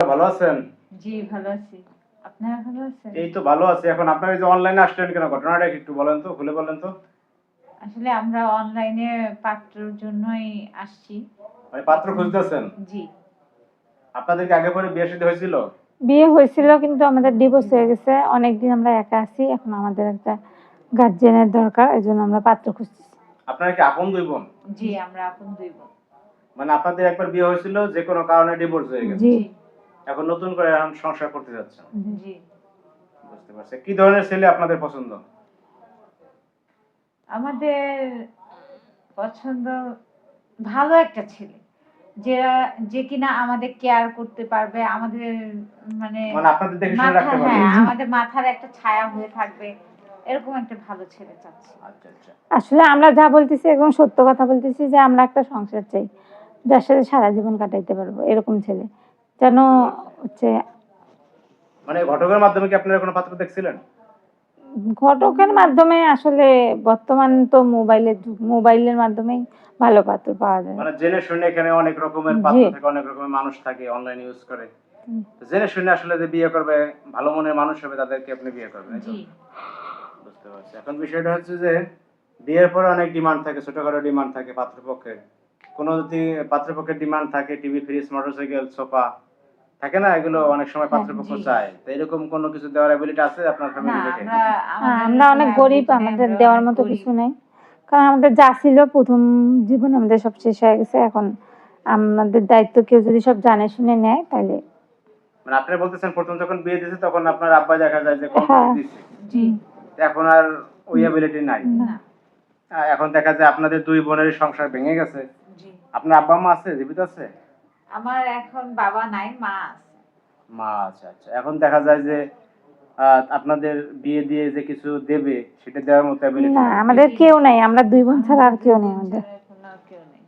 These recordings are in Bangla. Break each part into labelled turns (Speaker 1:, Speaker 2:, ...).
Speaker 1: ভালো আছেন?
Speaker 2: জি ভালো আছি। আপনারা ভালো আছেন?
Speaker 1: এই তো ভালো আছি। এখন আপনারা এই যে অনলাইনে আসলেন কেন? ঘটনাটা কি একটু বলেন তো, খুলে বলেন তো।
Speaker 2: আসলে আমরা অনলাইনে পাত্রের জন্যই আসছি।
Speaker 1: মানে পাত্র খুঁজতেছেন?
Speaker 2: জি।
Speaker 1: আপনাদের কি আগে পরে বিয়ে শাদী হয়েছিল?
Speaker 3: বিয়ে হয়েছিল কিন্তু আমাদের ডিভোর্স হয়ে গেছে। অনেকদিন আমরা একা আছি। এখন আমাদের একটা গার্জিয়ানের দরকার। এজন্য আমরা পাত্র খুঁজতেছি।
Speaker 1: আপনারা কি আপন দুই বোন?
Speaker 2: জি আমরা আপন দুই বোন।
Speaker 1: মানে আপনাদের একবার বিয়ে হয়েছিল, যে কোনো কারণে ডিভোর্স হয়ে গেছে।
Speaker 3: জি।
Speaker 1: এখন নতুন করে এখন সংসার করতে যাচ্ছেন।
Speaker 2: জি।
Speaker 1: বুঝতে পারছি। কি ধরনের ছেলে আপনাদের পছন্দ?
Speaker 2: আমাদের পছন্দ ভালো একটা ছেলে। যে কিনা আমাদের কেয়ার করতে পারবে, আমাদের মানে
Speaker 1: মানে আপনাদের দেখে শুনে
Speaker 2: মাথা
Speaker 1: রাখতে পারবে।
Speaker 2: হ্যাঁ আমাদের মাথার একটা ছায়া হয়ে থাকবে। এরকম একটা ভালো ছেলে চাচ্ছি।
Speaker 1: আচ্ছা আচ্ছা।
Speaker 3: আসলে আমরা যা বলতেছি একদম সত্য কথা বলতেছি যে আমরা একটা সংসার চাই। যার সাথে সারা জীবন কাটাইতে পারবো এরকম ছেলে। যেন হচ্ছে
Speaker 1: মানে ঘটকের মাধ্যমে কি আপনারা কোনো পাত্র দেখছিলেন?
Speaker 3: ঘটকের মাধ্যমে আসলে বর্তমান তো মোবাইলের যুগ। মোবাইলের মাধ্যমেই ভালো পাত্র পাওয়া যায়।
Speaker 1: মানে জেনে শুনে এখানে অনেক রকমের
Speaker 3: জি।
Speaker 1: পাত্র থাকে, অনেক রকমের মানুষ থাকে, অনলাইন ইউজ করে। তো জেনে শুনে আসলে যে বিয়ে করবে, ভালো মনের মানুষ হবে, তাদেরকে আপনি বিয়ে করবেন, তাই তো?
Speaker 2: জি।
Speaker 1: বুঝতে পারছি। এখন বিষয়টা হচ্ছে যে বিয়ের পরে অনেক ডিমান্ড থাকে, ছোটখাটো ডিমান্ড থাকে পাত্রপক্ষের। কোনো যদি পাত্রপক্ষের ডিমান্ড থাকে, টিভি, ফ্রিজ, মোটরসাইকেল, সোফা থাকে না, এগুলো অনেক সময়
Speaker 3: হ্যাঁ,
Speaker 1: পাত্রপক্ষ
Speaker 2: জি।
Speaker 1: চায়। তো এরকম কোনো কিছু দেওয়ার অ্যাবিলিটি আছে আপনার
Speaker 2: না
Speaker 1: ফ্যামিলি থেকে?
Speaker 3: আমরা অনেক গরিব, আমাদের দেওয়ার মতো কিছু নাই। কারণ আমাদের যা ছিল প্রথম জীবনে আমাদের সব শেষ হয়ে গেছে। এখন আমাদের দায়িত্ব কেউ যদি সব জানে শুনে নেয় তাহলে
Speaker 1: মানে আপনি বলতেছেন প্রথম যখন বিয়ে দিয়েছে তখন আপনার আব্বা দেখা যায় যে কম
Speaker 3: হ্যাঁ।
Speaker 1: কিছু দিচ্ছে,
Speaker 2: জি।
Speaker 1: তো এখন আর ওই অ্যাবিলিটি নাই।
Speaker 2: না।
Speaker 1: এখন দেখা যায় আপনাদের দুই বোনের সংসার ভেঙে গেছে।
Speaker 2: জি।
Speaker 1: আপনার আব্বা মা আছে, জীবিত আছে?
Speaker 2: আমার এখন বাবা নাই, মা আছে।
Speaker 1: মা আচ্ছা আচ্ছা। এখন দেখা যায় যে আপনাদের বিয়ে দিয়ে যে কিছু দেবে সেটা দেওয়ার মতো অ্যাবিলিটি
Speaker 3: না
Speaker 1: নাই।
Speaker 3: আমাদের কেউ নাই। আমরা দুই বোন ছাড়া আর কেউ নেই আমাদের।
Speaker 2: এখন আর কেউ নেই।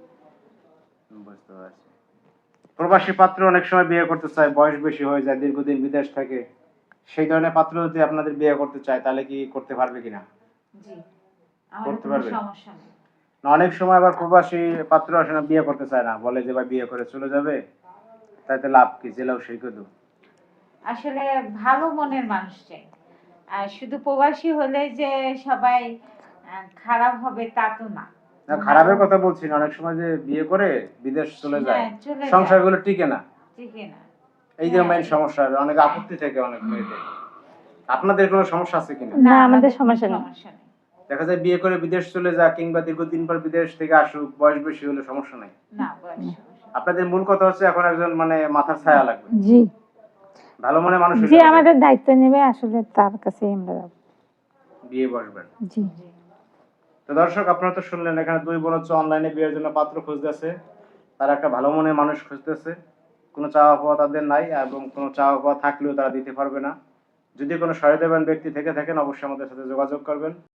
Speaker 1: বুঝতে পারছি। প্রবাসী পাত্র অনেক সময় বিয়ে করতে চায়, বয়স বেশি হয়ে যায়, দীর্ঘদিন বিদেশ থাকে। সেই ধরনের পাত্র যদি আপনাদের বিয়ে করতে চায় তাহলে কি করতে পারবে কিনা?
Speaker 2: জি। আমাদের
Speaker 1: করতে
Speaker 2: কোনো
Speaker 1: পারবে?
Speaker 2: সমস্যা নেই।
Speaker 1: না, অনেক সময় আবার প্রবাসী পাত্র আসে না, বিয়ে করতে চায় না, বলে যে ভাই বিয়ে করে চলে যাবে, তাতে লাভ কি, জেলাও সেই কদু।
Speaker 2: আসলে ভালো মনের মানুষ চাই। আর শুধু প্রবাসী হলে যে সবাই খারাপ হবে তা তো না।
Speaker 1: না, খারাপের কথা বলছি না, অনেক সময় যে বিয়ে করে বিদেশ চলে যায়,
Speaker 2: হ্যাঁ, চলে যায়।
Speaker 1: সংসারগুলো টিকে না।
Speaker 2: ঠিক না।
Speaker 1: এই যে
Speaker 2: হ্যাঁ।
Speaker 1: মেইন সমস্যা, অনেক আপত্তি থেকে অনেক মেয়েদের। আপনাদের কোনো সমস্যা আছে কিনা?
Speaker 3: না আমাদের
Speaker 2: কোনো
Speaker 3: সমস্যা নেই।
Speaker 2: সমস্যা নেই।
Speaker 1: দেখা যায় বিয়ে করে বিদেশ চলে যা, কিংবা দীর্ঘদিন পর বিদেশ থেকে আসুক, বয়স বেশি হলে সমস্যা নাই।
Speaker 2: না বয়স সমস্যা নেই।
Speaker 1: আপনাদের মূল কথা হচ্ছে এখন একজন মানে মাথার ছায়া লাগবে,
Speaker 3: জি।
Speaker 1: ভালো মনে মানুষ হলে
Speaker 3: যে
Speaker 1: হবে।
Speaker 3: আমাদের দায়িত্ব নেবে আসলে তার কাছেই আমরা যাব।
Speaker 1: বিয়ে বসবেন।
Speaker 3: জি।
Speaker 2: জি।
Speaker 1: তো দর্শক, আপনারা তো শুনলেন এখানে দুই বোন হচ্ছে অনলাইনে বিয়ের জন্য পাত্র খুঁজতেছে। তারা একটা ভালো মনের মানুষ খুঁজতেছে। কোনো চাওয়া পাওয়া তাদের নাই, এবং কোনো চাওয়া পাওয়া থাকলেও তারা দিতে পারবে না। যদি কোনো সহায়তাবান ব্যক্তি থেকে থাকেন অবশ্যই আমাদের সাথে যোগাযোগ করবেন।